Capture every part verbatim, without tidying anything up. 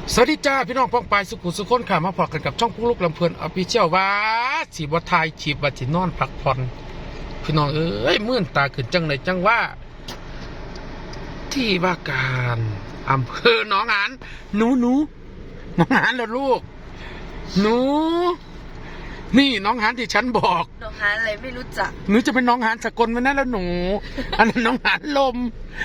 สวัสดีจ้าพี่น้องป้องปายสุขุสุขคนข่ามาพอกันกับช่องปุ๊กลุกลำเพลินอภิเชียวว่าสีบัวไทยฉีบบัตินอนพักผ่อนพี่น้องเอ้ยมื่นตาขึ้นจังเลยจังว่าที่ว่าการอำเภอหนองหานหนูหนูหนองหานแล้วลูกหนูนี่น้องหานที่ฉันบอกน้องหานอะไรไม่รู้จักหนูจะเป็นน้องหานสกลไว้นั่นแล้วหนูอันนั้นน้องหานลม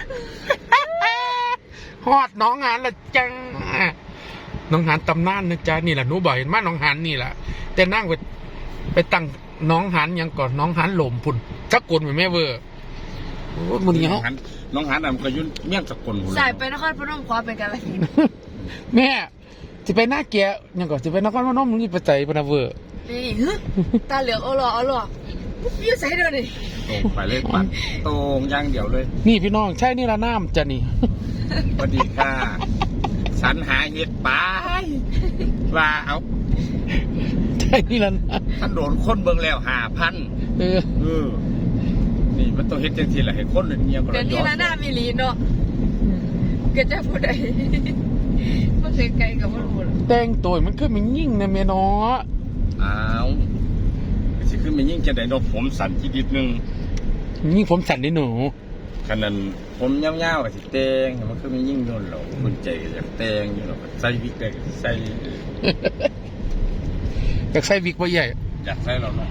ฮอดน้องหานละจังน้องหานตำนานนะจ๊ะนี่แหละหนูบ่อยมาน้องหานนี่แหละแต่นั่งไปไปตั้งน้องหานยังก่อนน้องหานหลมพุ่นสกลเหมือนแม่เวอร์โอ้มึงเขาน้องหานอ่ะมันก็ยุ่นเมี่ยงสกลสายไปนครพนมคว้าเป็นการละหินแม่จะไปหน้าเกียยังก่อนจะไปนครพนมมึงนี่ไปใจปนาเวอร์นี่ตาเหลืองเอาหล่อเอาหล่อยืดใส่เดี๋ยวนี้ตรงไปเลยปัดตรงย่างเดียวเลยนี่พี่น้องใช่นี่ละน้ำจ้ะนี่สวัสดีค่ะสรรหาเห็ดปลาว่าเอาใช่นี่ละท่านโดนคนเบิ่งแล้วหาพันเออเออนี่มันต้องเห็ดจังทีแหละให้คนเงียบก็เดี๋ยวนี้ละหน้ามีลีเนาะก็จะพูดได้มันเสียไกลกับมันพูดแต่งตัวมันคือมันยิ่งนะเมียน้ออ้าวสิคือมันยิ่งจะได้ดอกผมสั่นทีนิดนึงยิ่งผมสั่นดิหนูขนาดผมยาวๆกับสิแตงมันคือมันยิ่งโดนหลอกคุณใจอยากแตงอยู่หรอกใส่วิกได้ใส่อยากใส่วิกว่าใหญ่อยากใส่เราเนาะ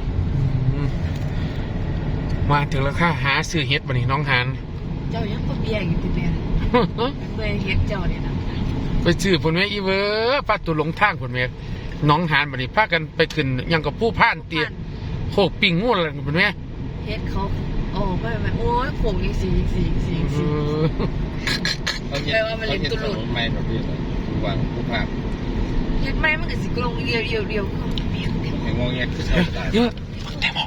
มาถึงแล้วค่ะหาซื้อเฮ็ดบันนี้น้องหานเจ้ายังก็เบียร์อยู่ที่เบียร์เบียร์เฮ็ดเจ้าเนี่ยนะไปซื้อผลแม่อีเวอร์ป้าตัวหลงทางผลแม่น้องหานบันนี้พากันไปขึ้นยังกับผู้พ่านเตี้ยโคกปิ่งงูอะไรผลแม่เฮ็ดเขาโอ้ไม่ไม่โอ้ยโขงยังสีสีสีสีแปลว่ามันเล็กตุลุนไม่แบบนี้ผู้วางผู้ภาพเฮ็ดไม่มันก็สิกลงเดียวเดียวเดียวเห็นงงเงี้ยคือใช่เยอะแต่หมอก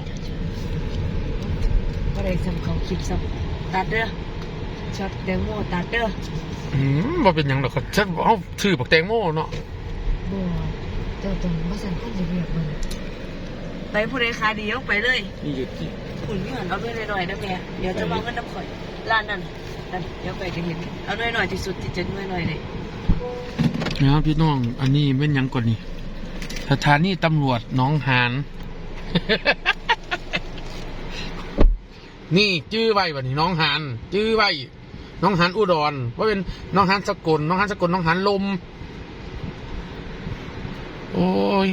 ก็ได้สำเขาคลิปสับตัดเด้อช็อตแตงโมตัดเด้ออืมว่าเป็นยังหรอกฉันเอาชื่อบอกแตงโมเนาะบัวเจ้าตรงมาสั่งข้าวเรียบมันไปผู้ใดขาดียกไปเลยนี่หยุดที่คุณพี่หันเอาด้วยหน่อยๆนะแม่เดี๋ยวจะวางเงินน้ำข่อยร้านนั้นนั่นเดี๋ยวไปจะเห็นเอาด้วยหน่อยที่สุดที่จะด้วยหน่อยเลยนะครับพี่น้องอันนี้เป็นยังก่อนนี่สถานีตำรวจหนองหานนี่จื้อไว้บัดนี้น้องหานจื้อไว้น้องหานอุดรว่าเป็นน้องหานสกลน้องหานสกลน้องหานลมโอ้ย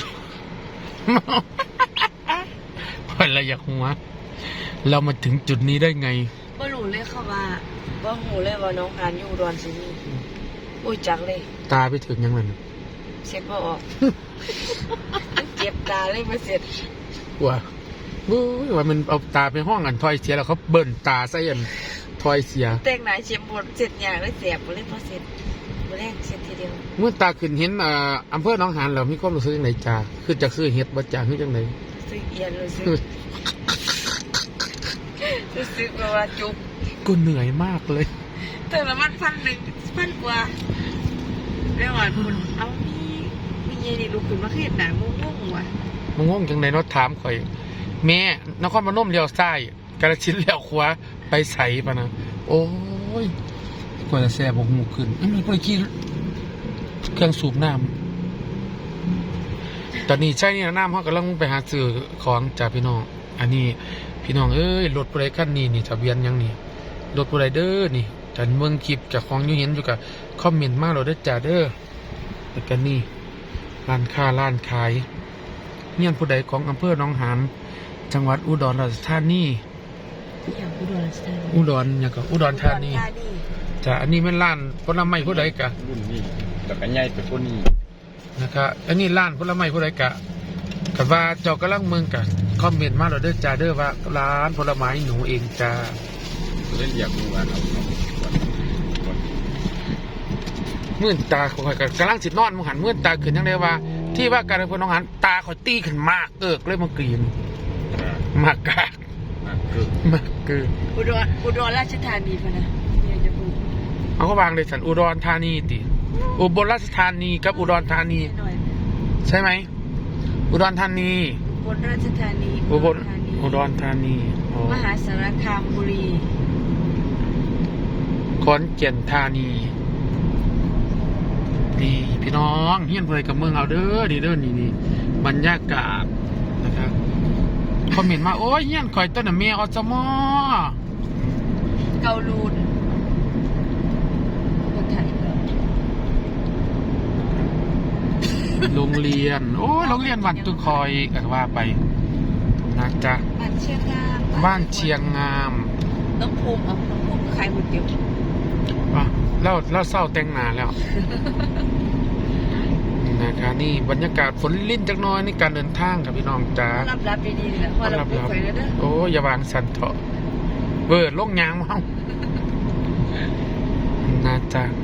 พอละอยากหัวเรามาถึงจุดนี้ได้ไงว่าหนูเลยเข้ามาว่าหูเลยว่าน้องหานอยู่อุดรสินี่โอ้ยจังเลยตาไปถึงยังไงเช็ดบ่ออกเจ็บตาเลยมาเสร็จว่าบู๊ว่ามันเอาตาไปห้องกันทอยเสียแล้วเขาเบิ่นตาใส่ยันทอยเสียแต่งหน้าเช็ดบดเสร็จอย่างแล้วเสียบหมดเลยพอเสร็จหมดแรกเสร็จทีเดียวเมื่อตาขึ้นเห็นอ่าอำเภอหนองหานแล้วมีความรู้สึกยังไงจ้าคือจะซื้อเห็ดบ่จ้าคือจังไงซื้อเอียนรู้สึกรู้สึกว่าจุกกูเหนื่อยมากเลยแต่ละมันพันหนึ่งพันกว่าเรื่องอ่อนคุณเอามีมีเย็นนี่ลูกขึ้นมาขึ้นหนามุ่งมุ่งว่ะมุ่งมุ่งจังไหนเนาะถามข่อยแม่นครพนมเลี้ยวซ้ายกระชิ้นเลี้ยวขวาไปใส่ปะนะโอ้ยกว่าจะแซ่บกหมูขึ้นมีไปขี้เครื่องสูบน้ำตอนนี้ใช่นี่น้ำเขากำลังไปหาซื้อของจากพี่น้องอันนี้พี่น้องเอ้ยรถบริการนี่นี่ทะเบียนยังนี่รถบริเดอร์นี่จันเมืองคลิปจากของยูเห็นอยู่กับคอมเมนต์มากเราได้จ่าเด้อแล้วกันนี่ร้านค้าร้านขายเงี้ยผู้ใดของอำเภอหนองหานจังหวัดอุดรราชธานีอุดรราชธานีอุดรอย่างกับอุดรธานีจ้ะอันนี้เป็นร้านผลไม้ผู้ใดกะรุ่นนี้แต่กันใหญ่เป็นคนนี้นะครับอันนี้ร้านผลไม้ผู้ใดกะกับว่าเจ้ากำลังเมืองกะคอมเมนต์มาเราได้จ่าเด้อว่าร้านผลไม้หนูเองจ้าเล่นอยากรู้ว่าเอามื่นตาข่อยกำลังสินอนมองหันมื่นตาขึ้นยังไงว่าที่ว่าการเป็นน้องหันตาข่อยตีขึ้นมากเอิกเลยมากรีนมากกากมากเกินอุดรอุดรราชธานีพะนะเนี่ยจะพูดเอาเขาวางเลยสันอุดรธานีติอุบลราชธานีกับอุดรธานีใช่ไหมอุดรธานีอุบลราชธานีอุบลอุดรธานีมหาสารคามบุรีขอนแก่นธานีดีน้องเฮียนเพื่อกับเมืองเอาเด้อดีเด้อนี่นี่บรรยากาศนะครับคอมเมนต์มาโอ้ยเฮียนข่อยต้นน่ะเมียอสมอเกาลูนคนไทยโรงเรียน โอ้ยโรงเรียนวันตุคอยก็ว่าไปนะจ๊ะบ้านเชียงงามบ้านเชียงงามน้องภูมิเอาน้องภูมิขายก๋วยเตี๋ยวว่ะแล้วแล้วเศร้าแต่งหนาแล้ว นะครับนี่บรรยากาศฝนลิ้นจักหน้อยในการเดินทางครับพี่น้องจ้ารับรับดีๆแหละพอเราพูดไปแล้วเด้อโอ้ยอย่าวางสันเถอะเบิดลงยางมานะจ๊ะ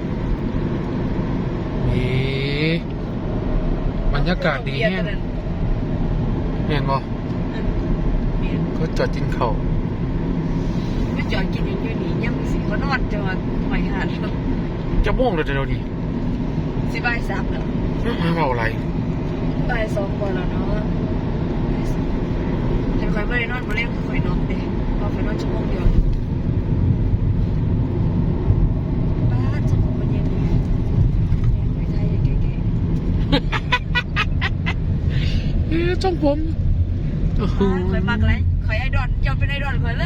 นี่บรรยากาศดีแห้งเห็นบ่เมียนก็จอดกินข้าวไม่จอดกินอย่างอยู่นี่ยังมีสิเขานอนจังหวัดหอยหาดจะม่วงเลยเดี๋ยวนี้สิบ่ายสามแล้วมาเอาอะไรบ่ายสองกว่าแล้วเนาะบ่ายสองเห็นคอยไม่ได้นอนมาเล่นคือคอยนอนเด้พอคอยนอนชั่วโมงเดียวบ้านจะผมมันเย็นดีแม่คอยไทยเก๋เอ๊ะจ้องผมโอ้ๆโหบ้านคอยมากเลยคอยไอดอนยอมเป็นไอดอนคอยเลย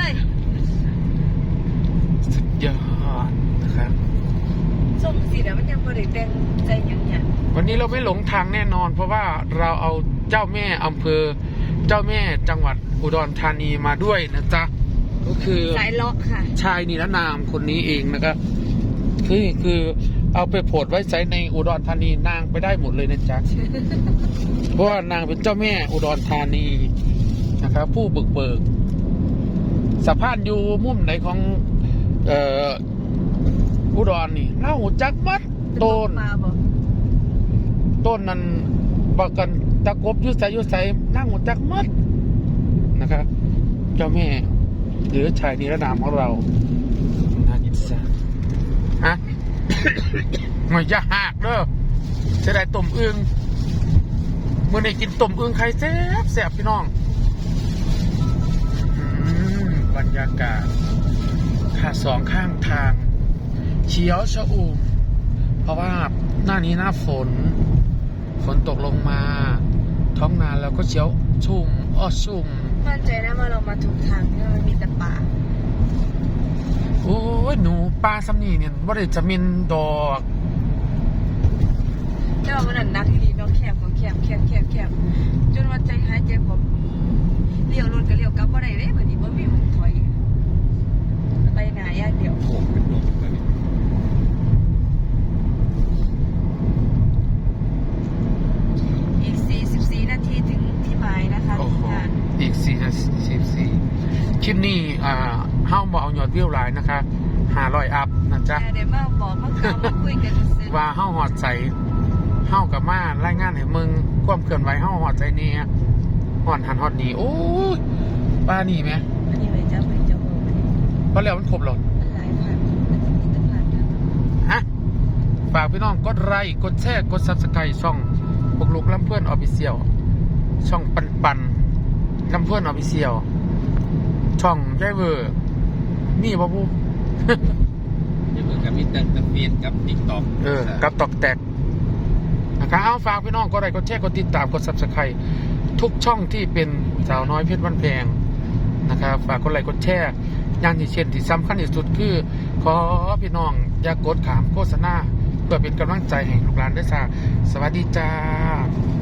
สุดยอดนะครับส่งสิเดี๋ยวมันยังบริแต่งใจยังเนี่ยวันนี้เราไม่หลงทางแน่นอน เพราะว่าเราเอาเจ้าแม่อำเภอ เจ้าแม่จังหวัดอุดรธานีมาด้วยนะจ๊ะก็คือสายเลาะค่ะชายนิรนามคนนี้เองนะครับคือคือเอาไปโพสต์ไว้ใช้ในอุดรธานีนางไปได้หมดเลยนะจ๊ะ เพราะว่านางเป็นเจ้าแม่อุดรธานีนะครับผู้บึกเบิกสะพานอยู่มุมไหนของเอ่ออุดรนี่เล่าจักมัดต้นมาบอกต้นนั้นบอกกันตะกบอยุใสอยุใสนั่งหัวจักมัดนะครับเจ้าแม่หรือชายนิรนามของเราน่าอิจฉาฮะ หน่อยจะหักเด้อจะได้ต้มอึ่งเมื่อได้กินต้มอึ่งไข่แซ่บแซ่บพี่น้องอืมบรรยากาศค่ะสองข้างทางเขียวชอุ่มเพราะว่าหน้านี้หน้าฝน ฝนตกลงมาท้องนาเราก็เขียวชุ่มอ้อชุ่มมั่นใจนะว่าเรามาถูกทางเนี่ยมันมีแต่ป่าโอ้ยหนูปลาซัมนี่เนี่ยว่าได้จะมินดอกแต่ว่ามันนักที่ดีเนาะแคบก็แคบแคบแคบแคบจนว่าใจหายใจผมเลี้ยวรถก็เลี้ยวกลับบ่ได้เลยแบบนี้บ่มีหนถอยไปหนาอย่างเดียวโขกเป็นดงเลยอีกสี่สิบสี่นาทีถึงที่หมายนะคะโอ้โหงานอีกสี่นาทีสิบสี่คลิปนี้อ่าเฮ้าบอเอายอดวิวหลายนะคะหาร้อยอัพนะจ๊ะแต่เดี๋ยวมาบอกมาข่าวมาคุยกันเสร็จว่าเฮ้าหอดใสเฮ้ากับมารายงานให้มึงความเคลื่อนไหวเฮ้าหอดใจเนี่ยหอดหันหอดหนีโอ้ยป้าหนีไหมอันนี้ไปเจ้าไปเจ้าโมมันเพราะแล้วมันครบหรอมันหลายพันมันจะมีตั้งพันนะฮะฝากพี่น้องกดไลค์กดแชร์กดซับสไครต์ช่องพวกลูกลำเพื่อนออฟฟิเชียลช่องปันปันลำเพื่อนออฟฟิเชียลช่องยายเวอร์มีบ่บูยังเหมือนกับมิสเตอร์ตะเฟียนกับติ๊กต็อกเออกับตอกแตกนะครับเอาฝากพี่น้องกดไลค์กดแชร์กดติดตามกดซับสไครต์ทุกช่องที่เป็นสาวน้อยเพชรบ้านแพงนะครับฝากกดไลค์กดแชร์อย่างที่เช่นที่สำคัญที่สุดคือ ขอพี่น้องอย่ากกดขามโฆษณาเพื่อเป็นกำลังใจให้ลูกหลานด้วยจ้าสวัสดีจ้า